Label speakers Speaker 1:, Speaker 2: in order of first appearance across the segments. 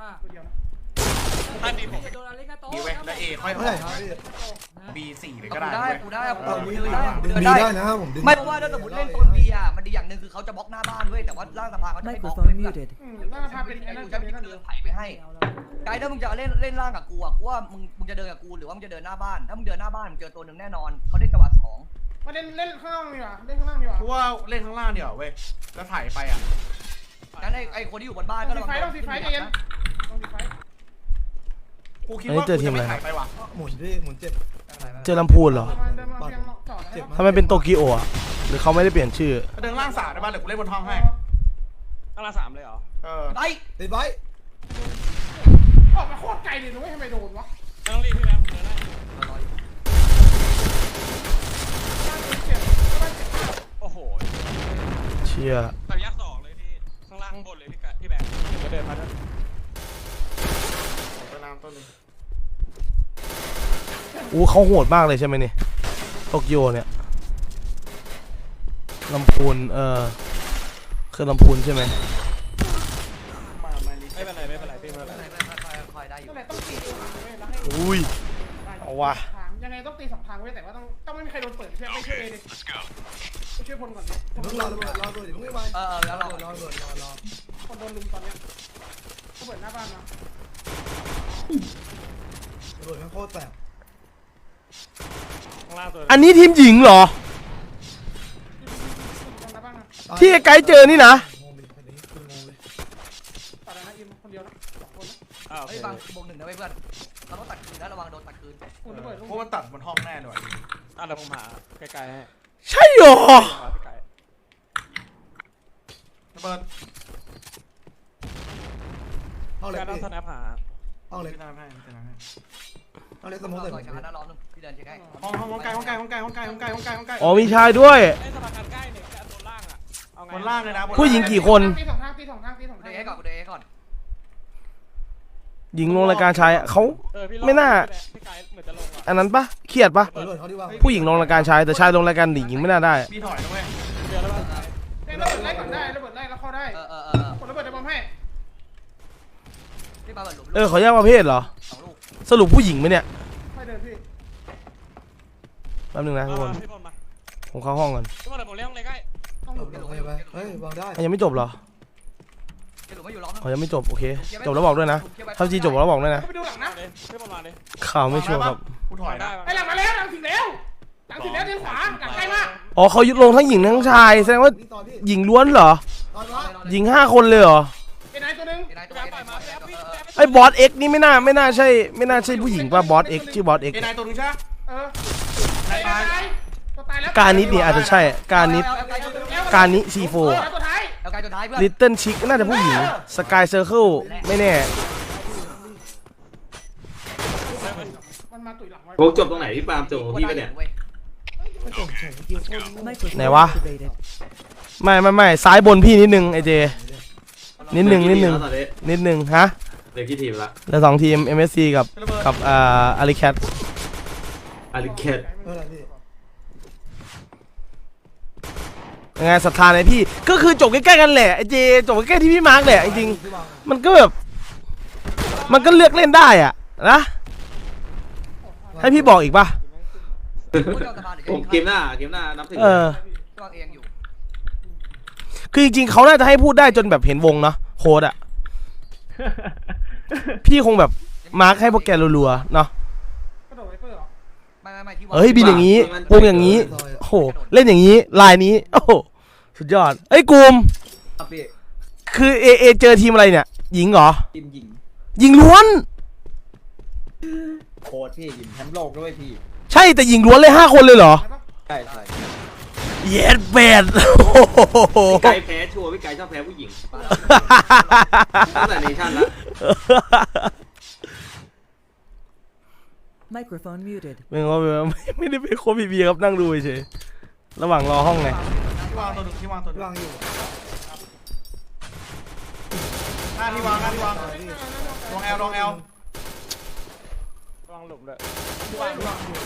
Speaker 1: ต้า
Speaker 2: ตัวเดียวนะ
Speaker 3: ท่านดีผม
Speaker 1: โดนอะไรกันโต
Speaker 3: ดีเว้ยแล้วเอค่อยออกB4เลยก็ได้
Speaker 4: กูได้กู
Speaker 5: ดึ
Speaker 4: เดิ
Speaker 5: ง
Speaker 4: นได้
Speaker 5: บีได้นะผมดึง
Speaker 4: ไม่เพราะว่าถ้าสมมติเล่นโซนบีอ่ะมันดีอย่างหนึ่งคือเขาจะบล็อกหน้าบ้านด้วยแต่ว่าล่างสะพานเขาจะไม่บล็อกเลย
Speaker 2: น่าพาเป็นไอ้นั่น
Speaker 4: กูจะมีเดินไถไปให้ไกด์ถ้ามึงจะเล่นล่างกับกูอ่ะกูว่ามึงจะเดินกับกูหรือว่ามึงจะเดินหน้าบ้านถ้ามึงเดินหน้าบ้านมึงเจอตัวหนึ่งแน่นอนเขาเล่นจังหวะสอง
Speaker 2: มาเล่นข้างล่างดีกว่าเล่นข้างล่างดีกว่า
Speaker 3: กูว่าเล่นข้างล่างเดี๋ยวเว้ยแล้วถ่ายไปอ่ะ
Speaker 4: งั้นไอ้คนที่อยู่บนบ้านก็
Speaker 2: ต้องสีไฟต้องสีไฟใจเย็นต้องสีไฟ
Speaker 3: กูคิดว่ากูจะไม่ถ่ายไปว่ะ
Speaker 5: หมุนพี่หมุนเจ็บ
Speaker 6: เจอลำพูนเหรอ
Speaker 2: เดินมาเพียงจอด
Speaker 5: เจ็บ
Speaker 6: ทำไมเป็นโตเกียวอ่ะหรือเขาไม่ได้เปลี่ยนชื่อ
Speaker 3: เดินล่างสามได้ป่ะเดี๋ยวกูเล่นบนห้องให้
Speaker 1: ตั้งละ3เลยเหรอ
Speaker 4: ไป
Speaker 5: ติดไว้
Speaker 2: ออกมาโคตรไกลเลยนุ้ยทำไมโดนวะ
Speaker 1: ต้องรีบพี่แบงค์เดินได้
Speaker 2: เจ็บ
Speaker 1: โอ้โห
Speaker 6: เชี่ย
Speaker 1: แบบยักษ์2เลยพี่ข้างล่างบนเลยพี่แบงค์ก็เดินมาด้วย
Speaker 3: ตัวน้ำต้นนึง
Speaker 6: อู้เขาโหดมากเลยใช่ไหมนี่โตเกียวเนี่ยลำพูนคือลำพูนใช่ไหม
Speaker 1: ไม่เป็นไรไม่เป็นไรพี่ไม่เป็นไร
Speaker 4: คอยได้อยู่
Speaker 2: นั่นแหละต้องตีเว้ยแล้วให้
Speaker 6: อุ้ยเอาว่ะ
Speaker 2: ยังไงต้องตี2 ทางเว้ยแต่ว่าต้องไม่มีใครโดนเปิดเพื่อไม่ช่วยเอเลยไปช่วยพลก่อนดิ
Speaker 5: เพิ่งรอระเบิดเดี๋ยวเพิ่งไม่ไป
Speaker 4: แล้วเรา
Speaker 5: รอระเบิดรอ
Speaker 2: คนโดนลุมตอนเนี้ยเขาเปิดหน้าบ้านมา
Speaker 5: ระเบิดโคตรแสบ
Speaker 1: ข้างล่างตัว
Speaker 6: อันนี้ทีมหญิงเหรอ
Speaker 2: ตรงหน้าบ้านมา
Speaker 6: ที่ไอ้ไกด์เจอนี่นะ
Speaker 5: งงเลยอันนี้คืองงเลย
Speaker 2: ตัดนะอิมคนเดียวนะ2 คนนะ
Speaker 1: โอเค
Speaker 4: เฮ้ยฟังบวก1นะเว้ยเพื่อนเราต้องตัดคืนนะระวังโดนตัดคืน
Speaker 2: คุณระเบิดลูก
Speaker 3: เพราะมันตัดบนห้องแน่เลย
Speaker 1: เดี๋ยวผมหาไกลๆให้
Speaker 6: ใช่เหรอ
Speaker 1: พี่ไกล
Speaker 3: ระเบิด
Speaker 5: ห้องเล็ก
Speaker 1: การต้อง
Speaker 5: พี่
Speaker 1: สแนปหา
Speaker 5: ห้องเล็ก
Speaker 3: พี่น้ำให้พี่น้ำให้
Speaker 5: ห้องเล็กส
Speaker 4: ต้
Speaker 5: ม
Speaker 4: อ
Speaker 5: อง ง
Speaker 4: ร
Speaker 5: ใส่
Speaker 4: อช้านะรอนึงพี่เดินเช็คให้
Speaker 3: ห้องไกลห้องไกลห้องไกลห้องไกลห้องไกลห้องไกลห้องไกล
Speaker 6: อ๋อมีชายด้วย
Speaker 1: ไอ้สะพานใกล้เนี่ยจะโดนล่างอ่ะเอาไง
Speaker 3: บนล่างเลยนะ
Speaker 6: ผู้หญิงกี่คน
Speaker 2: ตี2 ทางตี2 ทางตี2
Speaker 4: กู
Speaker 2: ทาง
Speaker 4: เดินให้ก่อนกูเดินให้ก่อน
Speaker 6: หญิงลงรายการชายเขา
Speaker 1: พี่
Speaker 6: ไม่น่า
Speaker 1: พี่ไกลเหมือนจะลงอ่ะ
Speaker 6: อันนั้นปะเครียดปะ
Speaker 5: ระเบิดเขาดีว่า
Speaker 6: ผู้หญิงลงรายการชายแต่ชายลงรายการหญิงไม่น่าได้
Speaker 3: พี่ถอยนะเว้ย
Speaker 1: เดือนแล้ว
Speaker 2: ระเบิดไล่ก่อนได้ระเบิดไล่แล้วเข้าได้กดระเบิดจะบอมให้
Speaker 4: พี่ปาเปิดหลุม
Speaker 6: ขอแยกประเภทเหรอ
Speaker 4: 2 ลูก
Speaker 6: สรุปผู้หญิงไหมเนี่ย
Speaker 2: ค่อยเดินพี่
Speaker 6: แป๊บนึงนะทุกคน
Speaker 1: พี่พลมา
Speaker 6: ผมเข้าห้องก่อน
Speaker 1: พี่พลเดี๋ยวผมเลี้ยงเลยใกล้
Speaker 2: ต้องหลุด
Speaker 5: ไปเฮ้ยวางได้
Speaker 6: ยังไม่จบเหรอ
Speaker 4: หลุมไม่อยู่ร้อง
Speaker 6: ยังไม่จบโอเคจบแล้วบอกด้วยนะถ้าจีจบแล้วบอกด้วยนะ
Speaker 2: ไปดูหลังนะ
Speaker 1: เลยพี่พลมาเลย
Speaker 6: ข่าวไม่ชัวร์ครับ
Speaker 3: กูถอยนะ
Speaker 2: ไอ้หลังมาแล้วหลังถึงแล้วหลังถึงแล้วเดินขวาหลังใกล้มาก
Speaker 6: อ๋อเขายุดลงทั้งหญิงทั้งชายแสดงว่า
Speaker 5: พี่ตอนพี่
Speaker 6: หญิงล้วนเหรอ
Speaker 5: ตอนว่า
Speaker 6: หญิง5 คนเลยเหรอ
Speaker 2: ไอ้นายตัวนึง
Speaker 4: ไอ้นายตัวไอ้นายตัว
Speaker 6: ไอ้บอสเอ็กนี่ไม่น่าใช่ผู้หญิงป่ะบอสเอ็กชื่อบอสเอ็ก
Speaker 3: เอนายตัวนึงใช่ไหม
Speaker 2: ตายตัวตายแล้ว
Speaker 6: การนิดนี่อาจจะใช่การนิดการนิซีโฟ
Speaker 2: ตัวท้าย
Speaker 4: เอาไกลตัวท้ายเพื่อน
Speaker 6: ลิตเติ้ลชิกน่าจะผู้หญิงสกายเซอร์เคิลไม่แน่
Speaker 2: มันมาตุ๋ยหลังไว้
Speaker 7: โอ้จบตรงไหนพี่ปาล์มจบของพี่ปะเนี่ย
Speaker 5: ไม่จบเฉยเกี่ยวคน
Speaker 6: ไหนวะไม่ซ้ายบนพี่นิดนึงไอเจนิดนึง
Speaker 7: ตอนนี้
Speaker 6: นิดนึงฮะ
Speaker 7: เหลือกี่ทีมละ
Speaker 6: แล้ว2 ทีม MSC กับอาริแคท
Speaker 7: อาริเคต
Speaker 5: อะไรพี่
Speaker 6: ยังไงศรัทธาในพี่ก็คือจบใกล้ๆกันแหละไอเจจบใกล้ๆที่พี่มาร์กแหละจริงๆมันก็แบบมันก็เลือกเล่นได้อะนะให้พี่บอกอีกป่ะ
Speaker 7: ผมเกมหน้านับถึง
Speaker 4: ตัวเองอยู่
Speaker 6: คือจริงๆเขาน่าจะให้พูดได้จนแบบเห็นวงเนาะโค้ดอะพี่คงแบบมาร์กให้พวกแกรัวๆเนาะ
Speaker 2: กระโดดไวเปอร์เหรอ
Speaker 4: ไม่ที่
Speaker 6: เฮ้ยบินอย่างนี้วงอย่างนี้โอ้โหเล่นอย่างนี้ลายนี้โอ้โหสุดยอดเอ้ยกูมคือเอเจอทีมอะไรเนี่ยหญิงเหรอ
Speaker 8: ทีมหญิง
Speaker 6: หญิงล้วน
Speaker 8: โค้ชพี่หญิงแชมป์โลกด้วยพี่
Speaker 6: ใช่แต่หญิงล้วนเลย5 คนเลยเหรอ
Speaker 8: ใช่ใช่
Speaker 6: เย็ดแบด
Speaker 7: พี่ไก่แพ้ชัวร์พี่ไก่ชอบแพ้ผู้หญิงตั้งแต่เนชั่นละ
Speaker 9: Microphone muted.
Speaker 6: ไม่ได้เป็นโคบีบีครับนั่งดูเฉยระหว่างรอห้องไง
Speaker 3: ที่วางตัวนึงที่วางตัวนึง
Speaker 5: วางอยู่
Speaker 3: หน้าที่วางลองแอล
Speaker 1: ระวังหลุมเลย
Speaker 5: วางหลุมพี่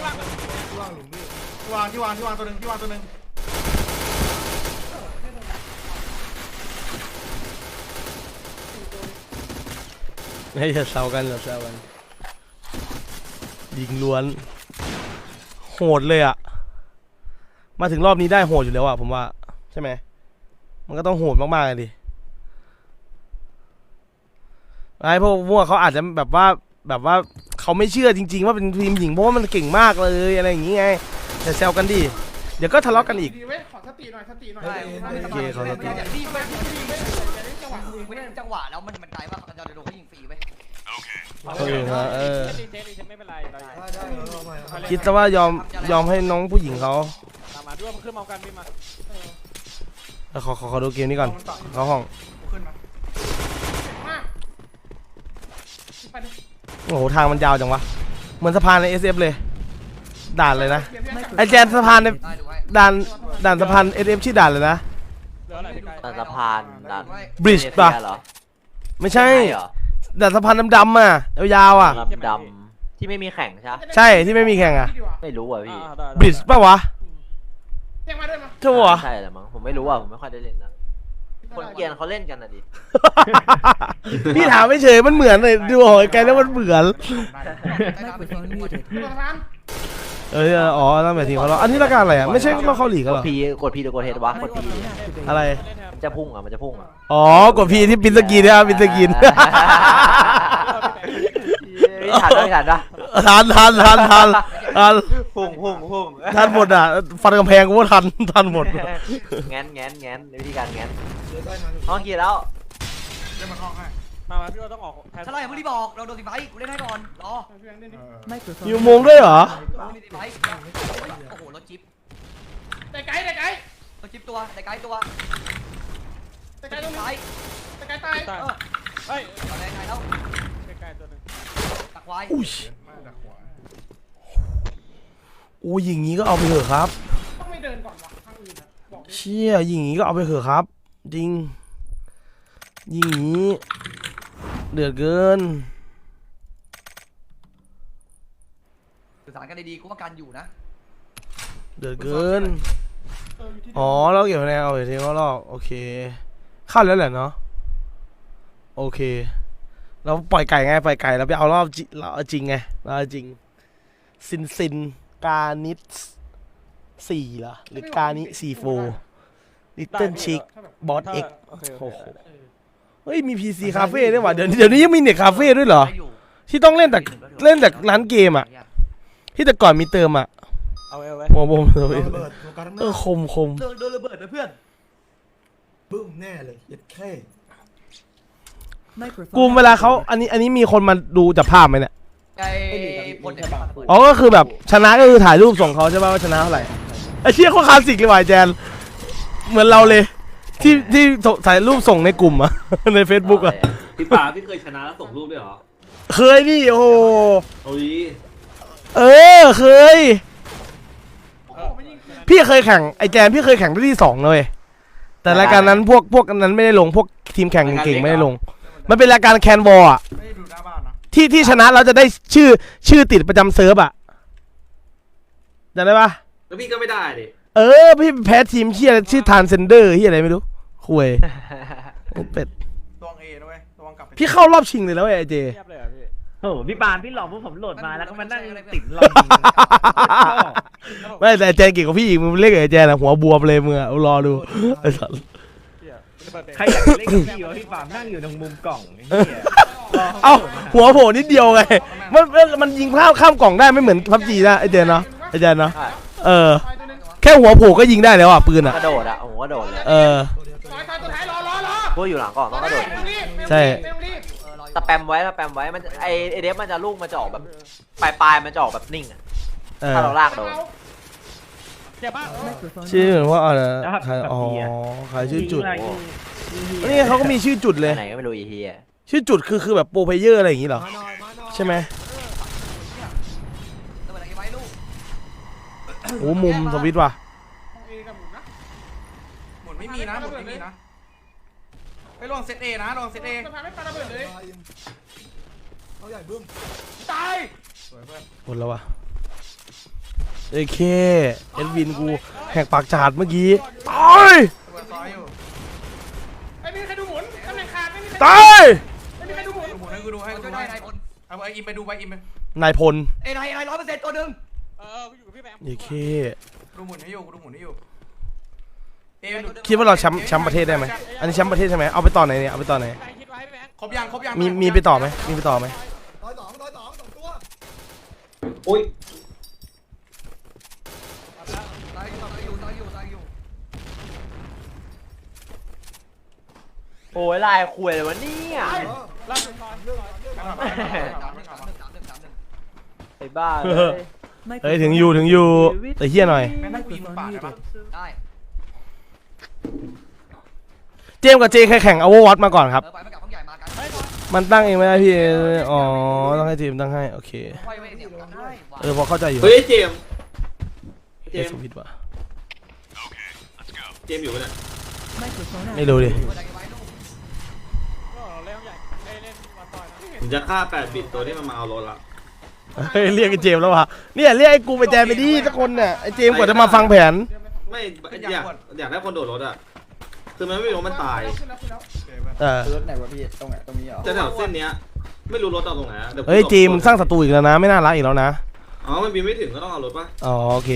Speaker 3: ที่วางตัวนึงที่วางตัวนึง
Speaker 6: ให้อย่าแซวกันอย่าแซวกันยิงล้วนโหดเลยอะมาถึงรอบนี้ได้โหดอยู่แล้วอะผมว่าใช่ไหมมันก็ต้องโหดมากๆเลยดิไอ้พวกเขาอาจจะแบบว่าเขาไม่เชื่อจริงๆว่าเป็นทีมหญิงเพราะว่ามันเก่งมากเลยอะไรอย่างงี้ไงแต่แซวกันดิเดี๋ยวก็ทะเลาะกันอีก
Speaker 2: ดีเว้ยขอสติหน่อยสติหน่อย
Speaker 6: โอเคเขาสติ
Speaker 4: ดีไป
Speaker 2: จังหวะดี
Speaker 4: ไม่ได้จังหวะแล้วมันไกลมากเราจะโดนเขายิงฟรีไป
Speaker 1: ไม่เป็นไร
Speaker 5: ได้เอาใหม่เอาใหม่
Speaker 6: คิดซะว่ายอมให้น้องผู้หญิงเขา
Speaker 1: ตามมาด้วยมันขึ้นมากันพี่มา
Speaker 6: ขอดูเกมนี้ก่อนเขาห้อง
Speaker 2: ขึ้นมาเก่งมากไปดิ
Speaker 6: โอ้โหทางมันยาวจังวะเหมือนสะพานใน SF เลยด่านเลยนะไอแจนสะพานใน
Speaker 4: ได้ดูไว้
Speaker 6: ด่านสะพาน SF ชื่อด่านเลยนะ
Speaker 1: เหลืออะไรพี่ไก่
Speaker 8: แต่สะพานดัน
Speaker 6: Bridge ป่ะ
Speaker 8: เหรอ
Speaker 6: ไม่ใช่
Speaker 8: เหรอ
Speaker 6: ด่านสะพานดำๆอ่ะยาวๆอ่ะ
Speaker 8: ดำๆที่ไม่มีแข่งใช่ไหม
Speaker 6: ใช่ที่ไม่มีแข่งอ่ะ
Speaker 8: ไม่รู้อ่ะพี่
Speaker 6: บริดจ์ป่ะวะ
Speaker 2: เรียกมาด้วยมา
Speaker 6: ใช่ปะวะ
Speaker 8: ใช่แหละมั้งผมไม่รู้อ่ะผมไม่ค่อยได้เล่นนะคนเกรียนเขาเล่นกันอ่ะดิ
Speaker 6: พี่ถามไม่เฉยมันเหมือนเลยดูหอยไกลแล้วมันเหมือน
Speaker 5: Microphone muted.
Speaker 2: ตัวสะพาน
Speaker 6: อ๋อนั่นหมายถึงเขาเราอันนี้รายการอะไรอ่ะไม่ใช่เราเข้าหลีกกัน
Speaker 8: ก
Speaker 6: เหร
Speaker 8: ด
Speaker 6: อ
Speaker 8: พีกดพีหรือกดเฮดวะกดพี
Speaker 5: Microphone activated.
Speaker 6: อะไร
Speaker 8: มันจะพุ่งอ่ะมันจะพุ่งอ่ะ
Speaker 6: อ๋อกดพีที่ปินสกีเนี่ยปินสกีน
Speaker 8: ทันได้ทันปะ
Speaker 6: ทัน
Speaker 8: พุ่ง
Speaker 6: ทันหมดอ่ะฟันกำแพงกูว่าทันหมด
Speaker 8: แง้นในวิธีการแง้น
Speaker 5: เดี๋ยวได้มา
Speaker 8: ห้องกี่แล้ว
Speaker 2: เดี๋ยวมาคล้องให้
Speaker 1: มาพี่เราต้องออกแทน
Speaker 4: ถ้าเราอย่าเพิ่งรีบบอกเราโดนตีไฟกูเล่นให้ก่อนรอ
Speaker 2: พี่แบงค์เล่นดิ
Speaker 5: Microphone
Speaker 6: มีอุโมงค์ด้วยเหรอ
Speaker 4: ตีไฟโอ้โหรถจิ๊บ
Speaker 2: แต่ไกด์แต่ไกด์
Speaker 4: รถจิ๊บตัวแต่ไกลตัว
Speaker 2: แต่ไกด์ตรง
Speaker 4: ไฟ
Speaker 2: นี้แต่ไกด์ตาย
Speaker 1: ตายเฮ้ย
Speaker 4: ตอนแรกไงแล้ว
Speaker 1: ใกล้ๆตัวนึง
Speaker 4: ตักไว้
Speaker 6: อุ้ยโอ้ยอย่างงี้ก็เอาไปเถอะครับ
Speaker 2: ต้องไม่เดินก่อนวะทางอื่นอะบอกดิ
Speaker 6: เชี่ยอย่างงี้ก็เอาไปเถอะครับ จริงยิงอย่างงี้เดือดเกิน
Speaker 4: สื่อสารกันดีๆกูว่ากันอยู่นะ
Speaker 6: เดือดเกิน
Speaker 2: อยู่ที่เดิม
Speaker 6: อ๋อเราเก็บคะแนนเอาไปทีก็รอบโอเคเข้าแล้วแหละเนาะโอเคเราปล่อยไก่ไงปล่อยไก่เราไปเอารอบเราเอาจริงไงเราเอาจริงซินกานิส4เหรอหรือกานิ4 ลิตเติ้ลชิกบอสเอ็ก
Speaker 1: โอเค
Speaker 6: โอ้โหเฮ้ยมี PC คาเฟ่ด้วยว่ะเดี๋ยวนี้ยังมีเน็ตคาเฟ่ด้วยเหรอ
Speaker 4: ได้อยู่
Speaker 6: ที่ต้องเล่นแต่ร้านเกมอ่ะที่แต่ก่อนมีเติมอ่ะ
Speaker 1: เอาไว้
Speaker 6: โมโม
Speaker 5: โดนระเบิดโฟกัสข้างห
Speaker 6: เอ
Speaker 5: น้า
Speaker 6: อคม
Speaker 4: โดนระเบิดนะเพื่อน
Speaker 5: บึ้มแน่เลยเย็ดแค่
Speaker 6: กูเวลาเขาอันนี้มีคนมาดูจากภาพไหมเนี่ย
Speaker 4: ไอ้พลเนี่ย
Speaker 6: อ๋อก็คือแบบชนะก็คือถ่ายรูปส่งเขาใช่ป่ะว่าชนะเท่าไหร่ไอ้เชี่ยเขาคลาสสิกเลยว่ะแจนเหมือนเราเลยที่ถ่ายรูปส่งในกลุ่มอะ ใน Facebook อะ
Speaker 7: พี่ป่าพี่เคยชนะแล้วส่งรูปด้วยเหรอ
Speaker 6: เคยดิโอ้โห
Speaker 7: โอ้ย
Speaker 6: เคยพี่เคยแข่งไอ้แจนพี่เคยแข่งได้ที่2เลยแต่รายการนั้นพวกนั้นไม่ได้ลงพวกทีมแข่งเก่งๆไม่ได้ลงมันเป็นรายการแคนวอลอะ
Speaker 2: ไม่ได้ดูหน้าบ้านนะ
Speaker 6: ที่ชนะเราจะได้ชื่อติดประจำเซิร์ฟอะจำได้ปะ
Speaker 7: แล้วพี่ก็ไม่ได้ดิ
Speaker 6: พี่แพ้ทีมเฮียชื่อทานเซนเดอร์เฮียอะไรไม่รู้คุยเป็ด
Speaker 2: ตัวเอด้วยตัวกลับไป
Speaker 6: พี่เข้ารอบชิงเลยแล้วไอ้เจ
Speaker 1: เทียบเลยอ่ะพี่
Speaker 9: โอ้โหพี่ปานพี่หลอกพวกผมโหลดมาแล้วก็มานั่งติดรอ
Speaker 6: ไม่แต่ไอ้เจนเก่งกว่าพี่อีกมึงเล่นกับไอ้เจนอะหัวบวมเลยมึงอะรอดูไอ้สัส
Speaker 9: ใครอยากเล่นกับพี่วะพี่ปานนั่งอยู่ตรงมุมกล่องไอ้เหี้ย
Speaker 6: เอ้าหัวโผล่นิดเดียวไงมันยิงข้ามกล่องได้ไม่เหมือนพับจีนะไอ้เจนเนาะไอ้เจนเนาะ
Speaker 8: ใช่
Speaker 2: ตายตัวนึง
Speaker 6: แค่หัวโผล่ก็ยิงได้แล้วอะปืนอะ
Speaker 8: กระโดดอ่ะโอ้โหกระโดดเลย
Speaker 5: ตัวเดียวตัว
Speaker 2: ตาย
Speaker 5: เดียว
Speaker 2: ตัวท้ายรอ
Speaker 8: พวกอยู่หลังกล่องต้องกระโดด
Speaker 2: ไม่ต้องรีบ
Speaker 6: ใช่
Speaker 2: ไม่ต้องรีบ
Speaker 8: สแปมไว้มันไอเดฟมันจะลูกมันจะออกแบบปลายมันจะออกแบบนิ่งอ่ะถ้าเราลากโดน
Speaker 1: เทียบมาก
Speaker 5: Microphone
Speaker 6: ชื่อเหมือนว่าอะไรใครอ๋อใครชื่อจุดนี่เขาก็มีชื่อจุดเลย
Speaker 8: ไหนก็ไม่รู้อีเฮีย
Speaker 6: ชื่อจุดคือแบบโปรเพลเยอร์อะไรอย่างงี้เหรอ
Speaker 5: มาหน่อยมาหน่อย
Speaker 6: ใช่ไหม
Speaker 4: ระเบิดอะไรไว้ลูก
Speaker 6: โอ้มุมสวิตช์ว่ะ
Speaker 2: เอกับหมุนนะ
Speaker 10: หมุนไม่มีนะหมุนไม่มีนะไปลองเซตเอนะลองเซตเอ
Speaker 2: สะพานไม่ปาระเบิดเลย
Speaker 5: เอาใหญ่บึ้ม
Speaker 2: ตาย
Speaker 10: สวยเพื่อน
Speaker 6: หมดแล้ววะเอเคเอ็ดวินกูแหกปากจาดเมื่อกี้ตาย
Speaker 10: ตัวซ้ายอยู่
Speaker 2: ไม่มีใครดูหมุนตำแหน่งขาดไม่มีใคร
Speaker 6: ตาย
Speaker 2: ไม่มีใครดูหมุน
Speaker 10: หมุนให้กูดูให้กู
Speaker 4: ช่วย
Speaker 10: ดู
Speaker 4: ได้
Speaker 10: ให้
Speaker 4: นายพล
Speaker 10: เอาอิมไปดูไปอิมไป
Speaker 6: นายพล
Speaker 4: นาย100%ตัวหนึ่ง
Speaker 1: กูอยู่กับพี่แบงค์
Speaker 6: โอเค
Speaker 10: ดูหมุนให้อยู่กูดูหมุนให้อยู่
Speaker 6: คิดว่าเราแชมป์ประเทศได้ไหมอันนี้แชมป์ประเทศใช่ไหมเอาไปต่อไหนเนี่ยเอาไปต่อไหน
Speaker 1: ใครคิดไว้พี่แบงค์
Speaker 10: ครบยังครบยัง
Speaker 6: มีไปต่อไหมมีไปต่อไหม
Speaker 5: ต่อยสองสองตัว
Speaker 7: อุ้ย
Speaker 4: ตายอยู่
Speaker 8: โอ้ยลายคุยเลยวะเนี่ย
Speaker 1: ล่าสุดซอย
Speaker 8: ไอ้บ้าเลย
Speaker 6: เฮ้ยถึงอยู่แต่เฮี้ยหน่อย
Speaker 10: แม่งนั่งกูยิงปาดได้ปะ
Speaker 4: ได้
Speaker 6: เจมส์กับเจใครแข่งเอาวอตมาก่อนครับ
Speaker 4: ไปไม่กลับห้องใหญ่มากัน
Speaker 6: มันตั้งเองไม่ได้พี่อ๋อต้องให้ทีมตั้งให้โอเค
Speaker 4: ค่อยเว้ยเนี่ยได้
Speaker 6: พอเข้าใจอยู่
Speaker 7: เฮ้ยเจมส์
Speaker 6: เจมส์ผิดว่ะ
Speaker 7: เจมส์อยู่ปะเนี่ย
Speaker 6: ไม่รู้ดิ
Speaker 1: ก็เล่นใหญ่เล่นมาต่อยนะ
Speaker 7: ผมจะฆ่า8 บิตตัวที่มันมาเอารถละ
Speaker 6: เฮ้ยเรียกไอ้เจมส์แล้ววะเนี่ยเรียกไอ้กูไปแจมไปดิสักคนเนี่ยไอ้เจมส์กว่าจะมาฟังแผน
Speaker 7: ไม่อยากได้คนโดดรถอ่ะคือมันไม่รู้มันตาย
Speaker 3: รถไหนวะพี่ตรงไหนตรงนี้เหรอ
Speaker 7: แต่แถวเส้นเนี้ยไม่รู้รถเอาตรงไหนอะดี๋วกู
Speaker 6: เฮ้ยเจมส์มึงสร้างศัตรูอีกแล้วนะไม่น่ารักอีกแล้วนะ
Speaker 7: อ๋อมันบินไม่ถึงก็ต้องเอารถป่ะ
Speaker 6: อ๋อโอเค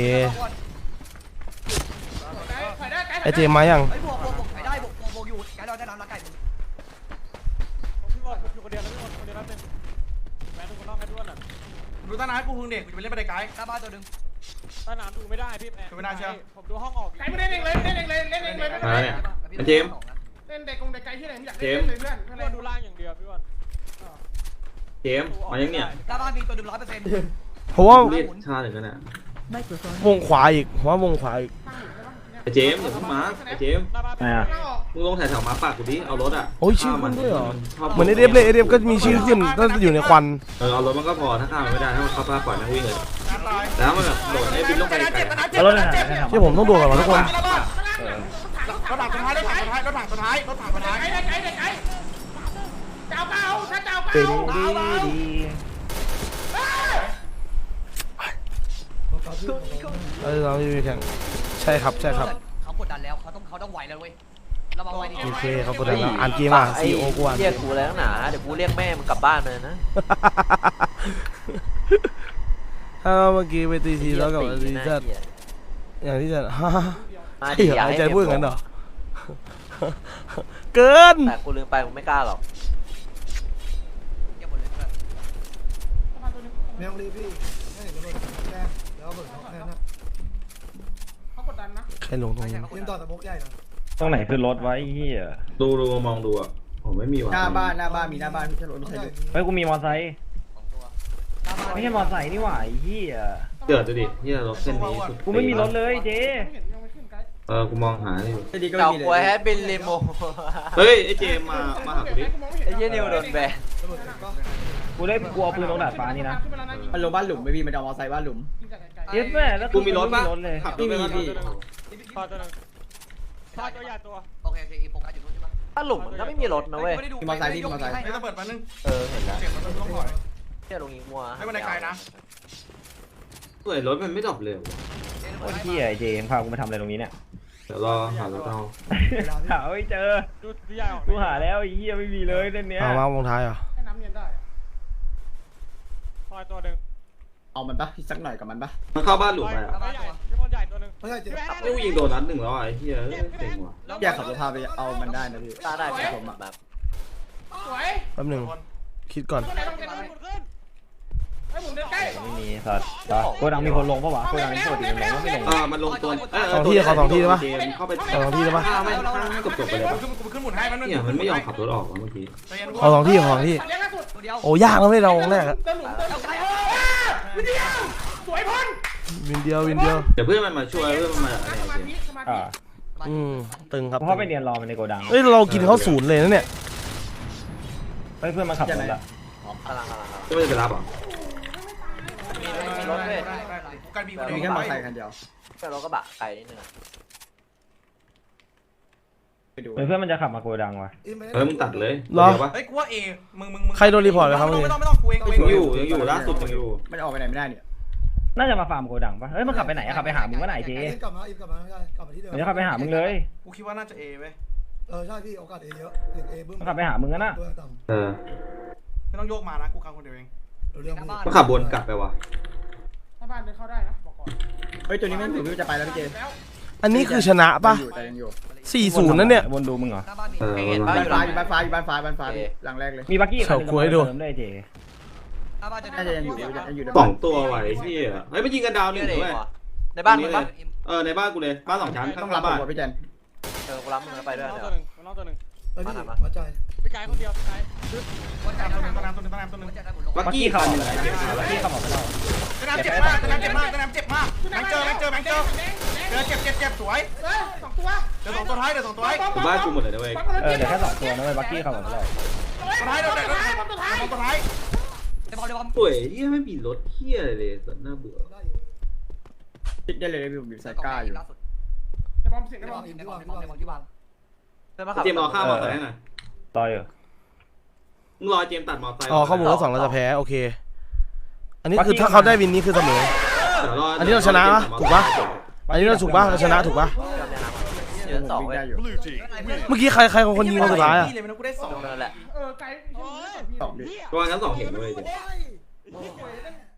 Speaker 2: ถ่ายได้ไกด์
Speaker 6: ไอ้เจมส์มายัง
Speaker 4: ไอ้บวกใครได้บวกอยู่ไก่เราได้น้ำละไก่
Speaker 1: พี่บอลอยู่คนเดียวแล้วพี่บอลคนเดียวแล้วเต็มแบงค์ทุกคนนอกให้ด้วยน่ะ
Speaker 10: ดูต้นน้ำกูพึ่งเด็กกูจะไปเล่นบันไดไกด์
Speaker 4: หน้าบ้านตัวหนึ่ง
Speaker 1: ถ้าน้ำดูไม่ได้พี่แบงค์ผมดูห้องออก
Speaker 2: ไกด์ไม่ได้เล่นเลยเล่นเองเลยเล่นเองเลย
Speaker 7: มาเนี่ยเจมส์
Speaker 2: เล่นเด็กกงเด็กไกด์ที่ไหนไม่อยากเล่นเลยเพื่อน
Speaker 1: พี่บอลดูล่างอย่างเดียวพี่บอล
Speaker 7: เจมส์มายังเนี่ย
Speaker 4: หน้าบ้านมีตัวหนึ่ง100%
Speaker 6: เพราะว่า
Speaker 7: เรียกชาหนึ่งกันน่ะ
Speaker 6: วงขวาอีกผมว่าวงขวาอีก
Speaker 7: ไอ้เจมส์อย่าเพิ่งมาไอ้เจมส์
Speaker 1: หน้าบ้าน
Speaker 9: ไงอ่ะ
Speaker 7: มึงลงแถวมาปากกูดิเอารถอ่ะ
Speaker 6: โอ้ยชื่อมันด้วยเหรอ
Speaker 7: ชบ
Speaker 6: เหมือนไอเดฟเลยไอเดฟก็มีชื่อขึ้นก็อยู่ในควัน
Speaker 7: เอารถมันก็พอถ้าข้ามมันไม่ได้ถ้ามันเข้าป้าปล่อยนั่งวิ่งเลย
Speaker 10: ตาย
Speaker 7: แต่ถ้ามันแบบโดดไอ้บินลงไปไกล
Speaker 9: แล้วรถไหนไหนทำ
Speaker 6: ที่ผมต้องดูก่อนวะทุกคน
Speaker 10: รถถังสุดท้ายรถถังสุดท้ายรถถังสุดท้ายรถถังสุดท้าย
Speaker 2: ไกด์ไกด์ไกด์เจ้าเก่าถ้าเจ้า
Speaker 9: ดี
Speaker 2: เก่า
Speaker 9: ดี
Speaker 6: เราไม่มีแข่งใช่ครับ
Speaker 4: เขากดดันแล้วเขาต้องไหวแล้วเว้ยระวังไว้ดิ
Speaker 6: โอเคเขากดดันแล้วอ่านเกมอ่ะ
Speaker 8: ไอ้
Speaker 6: ซีโอกูอ่าน
Speaker 8: เรียกกูแล้วหนาเดี๋ยวกูเรียกแม่มึงกลับบ้านเลยนะ
Speaker 6: ถ้าเมื่อกี้ไปตีทีแล้วกับตีจัดอย่างที่จะฮ่า
Speaker 8: มา
Speaker 6: ใช่
Speaker 8: ดิ
Speaker 6: เหรอ
Speaker 8: อย่า
Speaker 6: หาย
Speaker 8: ให้
Speaker 6: ใจ
Speaker 8: เจ็บ
Speaker 6: พูดอย่างนั้นเหรอเกิน
Speaker 8: แต่กูลืมไปกูไม่กล้าหรอก
Speaker 4: เก็บหมดเลยเพื่อน
Speaker 5: ไม่ต้องรีบพี่ให้เห็นระเบิดแน่แล้วเบิดแน่นะ
Speaker 2: เขากดดันนะ
Speaker 6: ใครลงตรงนี้
Speaker 5: ยิงต่อสมกใหญ่นะ
Speaker 9: ตรงไหนคือรถไว้เฮีย
Speaker 7: ๆดูมองดูอ่ะผมไม่มีว่ะ
Speaker 3: หน้าบ้านมีหน้าบ้านไม่ใช่รถไม่ใช่
Speaker 9: เฮ้ยกูมีมอไซค์
Speaker 4: 2 ตัวหน้าบ้าน
Speaker 9: ไม่ใช่มอไซค์นี่หว่าไอ้เฮีย
Speaker 7: เกิดดูดิที่รถเส้นนี้สุด
Speaker 9: กูไม่มีรถเลยเจ๊
Speaker 2: ไม่เห็นยังไม่ขึ้นไกด์
Speaker 7: กูมองหาอยู่
Speaker 3: ไม่ดีก็
Speaker 8: เจ้า
Speaker 3: ไม่มี
Speaker 8: ป่วย
Speaker 3: เล
Speaker 8: แฮ
Speaker 3: ย
Speaker 8: ปปี้ลิโม
Speaker 7: เฮ้ยไอ้เจมมาหากูดิ
Speaker 8: ไอ้เหี้ยนิวโดนแบน
Speaker 5: ระเบิดก็
Speaker 9: กูได้กูเอาปืนลงดาดฟ้านี่นะ
Speaker 3: มันลงบ้านหลุมไม่พี่มันจะเอามอไซค์บ้านหลุม
Speaker 9: เย็ดแม่แล้ว
Speaker 7: กูมีรถปะ
Speaker 9: รถเลย
Speaker 7: ขับรถไป
Speaker 3: ไม่มีพี่
Speaker 1: พอตัวนึงพอตัวใหญ่ตัว
Speaker 4: โอเคอีโฟกัสอยู่นู้นใช่ปะ
Speaker 8: ถ้าหลุมมันก็ไม่มีรถนะเว้ย
Speaker 10: ไอ้ระเบิดมานึง
Speaker 8: เห็นแล้ว
Speaker 10: เจ็บมันต้องถอย
Speaker 8: เที่ยลงยิงมัว
Speaker 10: ให้บันไดไกด์นะ
Speaker 7: เฮ้ยรถมันไม่ดรอปเร็ว
Speaker 9: โคตรเฮียไอ้เจมพากูมาทำอะไรตรงนี้เนี่ย
Speaker 7: เดี๋ยวรอหารถเอา
Speaker 9: หาไม่เจอ
Speaker 1: ดูใหญ่ออก
Speaker 9: กูหาแล้วไอ้เฮียไม่มีเลยเส้นเนี้ย
Speaker 6: มาวงท้ายเหรอ
Speaker 2: ให้น้ำเย็นได้
Speaker 1: พอตัวนึง
Speaker 3: เอามันปะพี่สักหน่อยกับมันปะ
Speaker 7: มันเข้าบ้านหลุมไปอ่ะ
Speaker 1: ใหญ่พี่บอลใหญ่ตัวนึง
Speaker 5: ไม่ใช่เจ็บ
Speaker 7: นี่กูยิงโดนนัดหนึ่งแล้วไอ้เหี้ยเจ๋งว่ะ
Speaker 3: อยากขับรถพาไปเอามันได้นะพี่
Speaker 8: ตาได้ไหม
Speaker 3: ผมอะ
Speaker 8: แบบ
Speaker 2: สวย
Speaker 6: แป๊บหนึงคิดก่อน
Speaker 2: ตัวไหนต้องเล่นขึ้นไอ้หมุนเดินใกล้
Speaker 9: ไม่มีสัตว์โกดังมีคนลงปะวะโกดังมีคนลงไม่ลง
Speaker 7: มันลงตัว
Speaker 6: สองที่ขอ2ที่ได้ปะ
Speaker 7: เจมเข้าไป
Speaker 6: ขอ2ที่ได้ปะ
Speaker 7: ไม่จบไปเลยปะ
Speaker 10: กูขึ้นหมุนให้มัน
Speaker 7: เนี่ยมันไม่ยอมขับรถออกเมื่อกี้
Speaker 6: ขอ2ที่ขอ2ที่
Speaker 2: เลี้ยงล่าสุด
Speaker 4: ตัวเดียว
Speaker 6: โอ้ยากแล้วไม่เราวงแรกอะ
Speaker 2: เดินหลุมเดินหลุมวิดีโอสวยพ้น
Speaker 6: วินเดียว
Speaker 7: เดี๋ยวเพื่อนมันมาช่วยเพื่อนมันมาอะไร
Speaker 2: สมา
Speaker 7: เจม
Speaker 2: ธิสมาธิ
Speaker 9: อ่า
Speaker 6: ตึงครับ
Speaker 9: เพราะไปเรียนรอมันในโกดัง
Speaker 6: เฮ้ยเรากินเขาศูนย์เลยนะเนี่ย
Speaker 9: เฮ้ยเพื่อนมาขับรถละ
Speaker 8: กำลัง
Speaker 7: จะไม่ได้ไปรับหรอ
Speaker 8: มีรถด้วย
Speaker 10: กันบีคนเดี
Speaker 3: มี
Speaker 10: ยว
Speaker 3: แค่มอไซค์คันเดียว
Speaker 8: แต่รถกระบะไกลนิดนึง
Speaker 3: ไปดู
Speaker 9: เพื่อนมันจะขับมาโกดังวะ
Speaker 7: มึงตัดเลย
Speaker 10: เฮ้ยกูว่าเอมึง
Speaker 2: ไม่ต้องกูเอง
Speaker 7: ยังอยู่ล่าสุดยังอยู่
Speaker 3: มันออกไปไหนไม่ได้เนี่ย
Speaker 9: น่าจะมาฟาร์มโกดังปะเฮ้ยมันขับไปไหนอะขับไปหามึงวะไหนเจ๊
Speaker 5: กลับมาอีกกลับมาใช่กลับมาที่เดิม
Speaker 9: มันจะขับไปหามึงเลย
Speaker 10: กูคิดว่าน่าจะเอเว้ย
Speaker 5: ใช่พี่โอกาสเอเยอะเอบึ้ม
Speaker 9: มันขับไปหามึงกันนะ
Speaker 5: ตัวต่ำ
Speaker 7: เออ
Speaker 10: ไม่ต้องโยกมานะกูคังคนเดียวเอง
Speaker 5: เรื่อง
Speaker 4: หน้า
Speaker 5: พี่
Speaker 4: บ้าน
Speaker 7: ก็ขับบนกลับไปว่ะ
Speaker 2: ถ้าบ้านเดินเข้าได้นะบอกก่อน
Speaker 9: เฮ้ยตัวนี้ไม่ถึงจะไปแล้วพี่เจ
Speaker 2: แล้ว
Speaker 6: อันนี้คือชนะปะ
Speaker 9: แต่ยังอยู่
Speaker 6: 4-0นั่นเนี่ย
Speaker 9: วนดูมึงเหรอ
Speaker 4: หน้าบ้านมี
Speaker 7: เออ
Speaker 8: เห็น
Speaker 7: มัน
Speaker 8: บ้าน
Speaker 9: อยู่บ้านฟ้าอยู่บ้านฟ้าอยู่บ้านฟ้าหลังแรกเลยมีบักกี้
Speaker 6: เฉาก๊วยดู
Speaker 9: ได้เจ
Speaker 4: หน้าบ้านจะ
Speaker 9: น่าจะยังอยู่
Speaker 7: สองตัวไหวที่เฮ้ยไปยิงกันดาวหนึ่งด้วย
Speaker 8: ในบ้านมึงปะ
Speaker 7: ในบ้านกูเลยบ้าน2 ชั้น
Speaker 9: ต้อง
Speaker 7: ข้าง
Speaker 9: รับ
Speaker 7: บ้าน
Speaker 9: ผมพี่แจน
Speaker 8: กูรับมึงแล้วไปด้วย
Speaker 1: น้อง
Speaker 8: เดี๋ยว
Speaker 1: ตัวหนึ่งน้องตัวหนึ่ง
Speaker 5: เฮ้ยพี่มาใจ
Speaker 1: พี่ไก่คนเดียวพี่ไก่
Speaker 4: วันจันทร์
Speaker 10: ตัวน้ำตัวนึง
Speaker 7: บักกี้เขา
Speaker 9: บักกี้เขาบอกไปแล้ว
Speaker 10: ตัวน้ำเจ็บมากตัวน้ำเจ็บมากตัวน้ำเจ็บมากแบงค์เจอเจ็บสวย
Speaker 2: 2 ตัว
Speaker 10: เดี๋ยว2 ตัวท้ายเดี๋ยว2 ตัวท้าย
Speaker 7: อยู่บ้านกูหมดเลยนะเว้ย
Speaker 9: เดี๋ยวแค่2 ตัวนะเว้ยบักกี้เขาบอกไปแล้ว
Speaker 10: ตัวท้ายเดี๋ยวตัวท้าย
Speaker 4: เดี๋ยวบอล
Speaker 7: ป่วยเฮียไม่มีรถเฮียอะไรเลยสัตว์น่าเบื่อ
Speaker 9: ติดได้เลยพี่ผมอยู่ไซก้าอยู่
Speaker 4: ล่าสุด
Speaker 2: จะบอมเสียง
Speaker 4: ใน
Speaker 2: ได้
Speaker 4: บบ อ
Speaker 2: อ
Speaker 4: ล
Speaker 2: ม
Speaker 4: ในบอลที่วาง
Speaker 7: เจมรอข้ามมอเตอร์ไซค์หน่อย
Speaker 9: ต่อยเหรอ
Speaker 7: มึงรอเจมตัดมอเตอร์ไซค์
Speaker 6: อ๋อข้อมูลว่า2เราจะแพ้โอเค อันนี้คือถ้าเขาได้วินนี้คือเสมอ อันนี้เราชนะปะถูกปะ อันนี้เราถูกปะเราชนะถูกปะ
Speaker 8: เดือน2เว้ย
Speaker 6: เมื่อกี้ใครคนยิงคนสุดท้ายอะ
Speaker 10: พี่เลยมันกูได้2
Speaker 8: นั่นแหละ
Speaker 2: ไกล
Speaker 9: 2ดิ
Speaker 7: ประมาณชั้น 2เห็นด้วยเจม
Speaker 2: โอ้ย